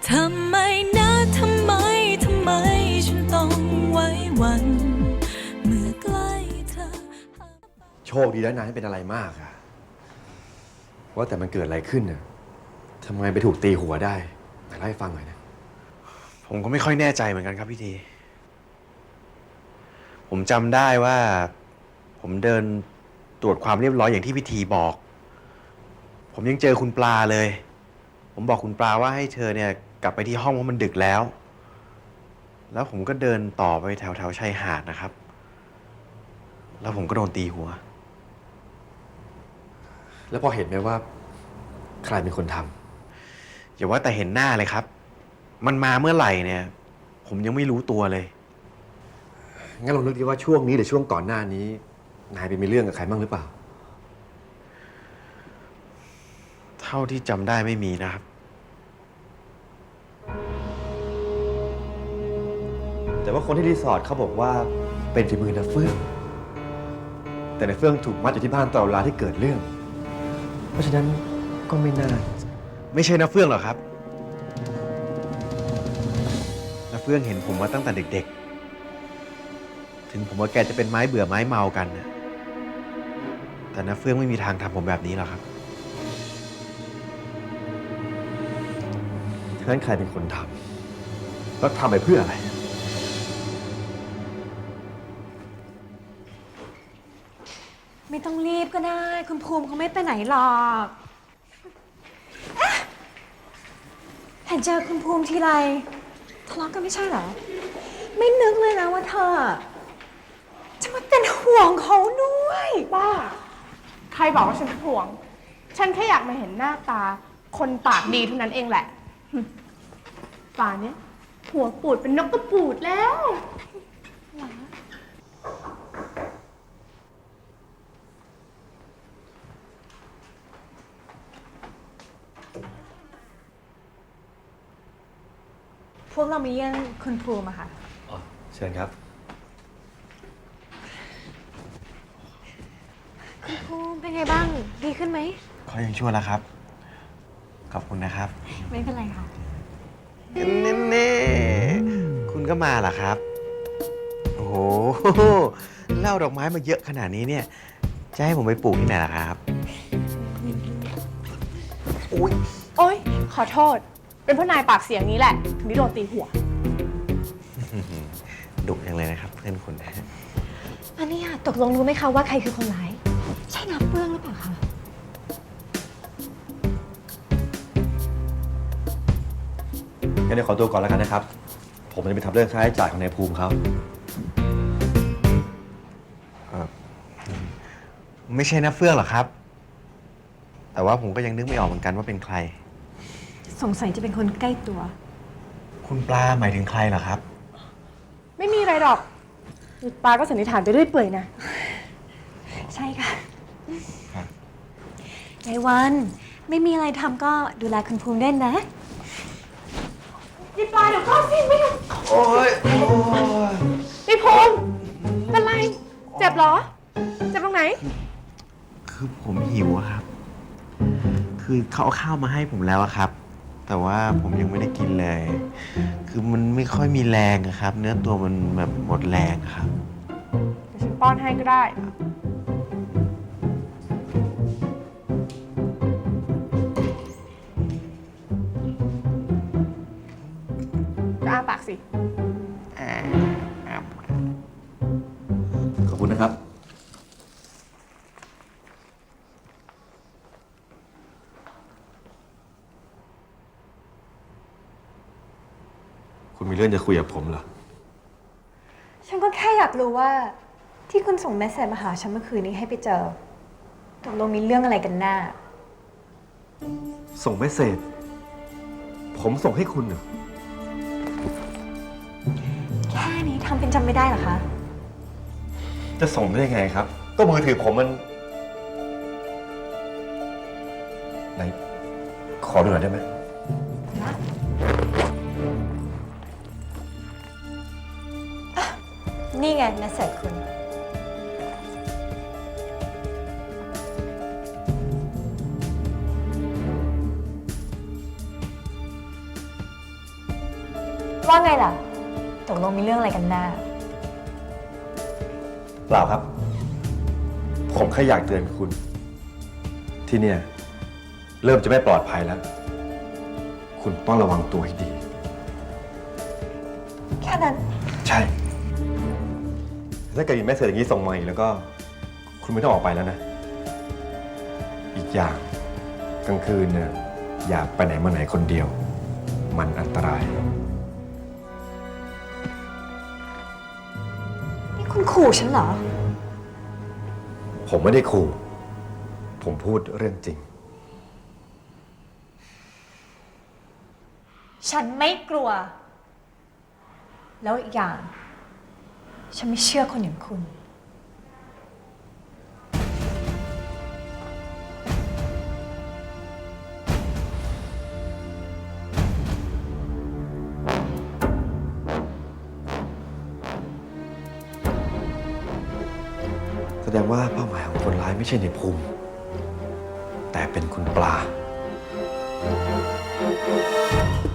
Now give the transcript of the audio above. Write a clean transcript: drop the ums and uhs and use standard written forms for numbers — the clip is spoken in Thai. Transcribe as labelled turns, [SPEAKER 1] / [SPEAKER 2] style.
[SPEAKER 1] ทำไมนะทำไมฉันต้องไว้วันเมื่อใกล้เธอ
[SPEAKER 2] โชคดีแล้วนายไม่เป็นอะไรมากอะว่าแต่มันเกิดอะไรขึ้นน่ะทำไมไปถูกตีหัวได้ไหนเล่าให้ฟังหน่อยนะ
[SPEAKER 3] ผมก็ไม่ค่อยแน่ใจเหมือนกันครับพี่ทีผมจำได้ว่าผมเดินตรวจความเรียบร้อยอย่างที่พี่ทีบอก ผมยังเจอคุณปลาเลย ผมบอกคุณปลาว่าให้เธอเนี่ยกลับไปที่ห้องเพราะมันดึกแล้ว แล้วผมก็เดินต่อไปแถวชายหาดนะครับ แล้วผมก็โดนตีหัว
[SPEAKER 2] แล้วพอเห็นไหมว่าใครเป็นคนทำ
[SPEAKER 3] อย่าว่าแต่เห็นหน้าเลยครับ มันมาเมื่อไหร่เนี่ย ผมยังไม่รู้ตัวเลย
[SPEAKER 2] งั้นลองนึกดีว่าช่วงนี้หรือช่วงก่อนหน้านี้นายไปมีเรื่องกับใครบ้างหรือเปล่า
[SPEAKER 3] เท่าที่จำได้ไม่มีนะครับ
[SPEAKER 2] แต่ว่าคนที่รีสอร์ทเขาบอกว่าเป็นฝีมือนะเฟื่องแต่ในเฟื่องถูกมัดอยู่ที่บ้านตลอดเวลาที่เกิดเรื่องเพราะฉะนั้นก็ไม่น่า
[SPEAKER 3] ไม่ใช่น้าเฟื่องหรอกครับน้าเฟื่องเห็นผมมาตั้งแต่เด็กๆถึงผมว่าแกจะเป็นไม้เบื่อไม้เมากันนะแต่น้าเฟื่องไม่มีทางทำผมแบบนี้หรอกครับ
[SPEAKER 2] ฉะนั้นใครเป็นคนทำแล้วทำไปเพื่ออะไร
[SPEAKER 4] ไม่ต้องรีบก็ได้คุณภูมิเขาไม่ไปไหนหรอกเห็นเจอคุณภูมิทีไรทะเลาะกันไม่ใช่เหรอไม่นึกเลยนะว่าเธอจะมาเป็นห่วงเขาด้วย
[SPEAKER 5] บ้าใครบอกว่าฉันเป็นห่วงฉันแค่อยากมาเห็นหน้าตาคนปากดีเท่านั้นเองแหละป่านนี้หัวปูดเป็นนกกระปูดแล้ว
[SPEAKER 4] พวกเรามาเยี่ยมคุณภูมิอะค่ะ
[SPEAKER 2] อ๋อเชิญครับ
[SPEAKER 4] คุณภูมิเป็นไงบ้างดีขึ้นไหม
[SPEAKER 3] เขายังชั่วแล้วครับ ขอบคุณนะครับ
[SPEAKER 4] ไม่เป็นไรค่ะ
[SPEAKER 3] เน่ๆคุณก็มาเหรอครับโอ้โหเล่าดอกไม้มาเยอะขนาดนี้เนี่ยจะให้ผมไปปลูกที่ไหนล่ะครับ
[SPEAKER 5] โอ๊ยขอโทษเป็นเพราะนายปากเสียงนี้แหละถึงได้โดนตีหัว
[SPEAKER 3] ดุจังเลยนะครับเพื่อนคุณ
[SPEAKER 4] อันนี้ตกลงรู้ไหมคะว่าใครคือคนร้ายใช่น้ำเปื้องหรือเปล่าคะ
[SPEAKER 2] งั้นเดี๋ยวขอตัวก่อนแล้วกันนะครับผมจะไปทำเรื่องค่าใช้จ่ายของนายภูมิเขา
[SPEAKER 3] ไม่ใช่น้าเฟื่องหรอกครับแต่ว่าผมก็ยังนึกไม่ออกเหมือนกันว่าเป็นใคร
[SPEAKER 4] สงสัยจะเป็นคนใกล้ตัว
[SPEAKER 3] คุณปลาหมายถึงใครเหรอครับ
[SPEAKER 5] ไม่มีอะไรหรอกปาก็สันนิษฐานไปเรื่อยเปื่อยนะ
[SPEAKER 4] ใช่ค่ะยายวันไม่มีอะไรทำก็ดูแลคุณภูมิด้วยนะ
[SPEAKER 5] พี่ปลาเดี๋ยวเข้าสิไม่ต้อง
[SPEAKER 3] โอ้ย
[SPEAKER 5] พี่ภูมิเป็นไรเจ็บเหรอเจ็บตรงไหน
[SPEAKER 3] คือผมหิวครับคือเขาเอาข้าวมาให้ผมแล้วครับ แต่ว่าผมยังไม่ได้กินเลย คือมันไม่ค่อยมีแรงครับ เนื้อตัวมันแบบหมดแรงครับ
[SPEAKER 5] เดี๋ยวฉันป้อนให้ก็ได้ก็อ้าปากสิ
[SPEAKER 2] ขอบคุณนะครับคุณมีเรื่องจะคุยกับผมเหรอ
[SPEAKER 4] ฉันก็แค่อยากรู้ว่าที่คุณส่งเมสเซจมาหาฉันเมื่อคืนนี้ให้ไปเจอตกลงมีเรื่องอะไรกันแน่
[SPEAKER 2] ส่งเมสเซจผมส่งให้คุณเหรอ
[SPEAKER 4] แค่นี้ทำเป็นจำไม่ได้เหรอคะ
[SPEAKER 2] จะส่งได้ยังไงครับก็มือถือผมมันไหนขอดูหน่อยได้ไหม
[SPEAKER 4] นี่ไงเมสเซจคุณว่าไงล่ะ ตกลงมีเรื่องอะไรกันแน่
[SPEAKER 2] เปล่าครับ ผมแค่อยากเตือนคุณ ที่เนี่ย เริ่มจะไม่ปลอดภัยแล้ว คุณต้องระวังตัวให้ดี
[SPEAKER 4] แค่นั้น
[SPEAKER 2] ใช่ ถ้าเกิดมีแม่เสืออย่างนี้ส่งมาอีกแล้วก็ คุณไม่ต้องออกไปแล้วนะ อีกอย่างกลางคืนเนี่ยอย่าไปไหนมาไหนคนเดียว มันอันตราย
[SPEAKER 4] นี่คุณขู่ฉันเหรอ
[SPEAKER 2] ผมไม่ได้ขู่ ผมพูดเรื่องจริง
[SPEAKER 4] ฉันไม่กลัว แล้วอีกอย่าง ฉันไม่เชื่อคนอย่างคุณ
[SPEAKER 2] แสดงว่าเป้าหมายของคนร้ายไม่ใช่ในภูมิ แต่เป็นคุณปลา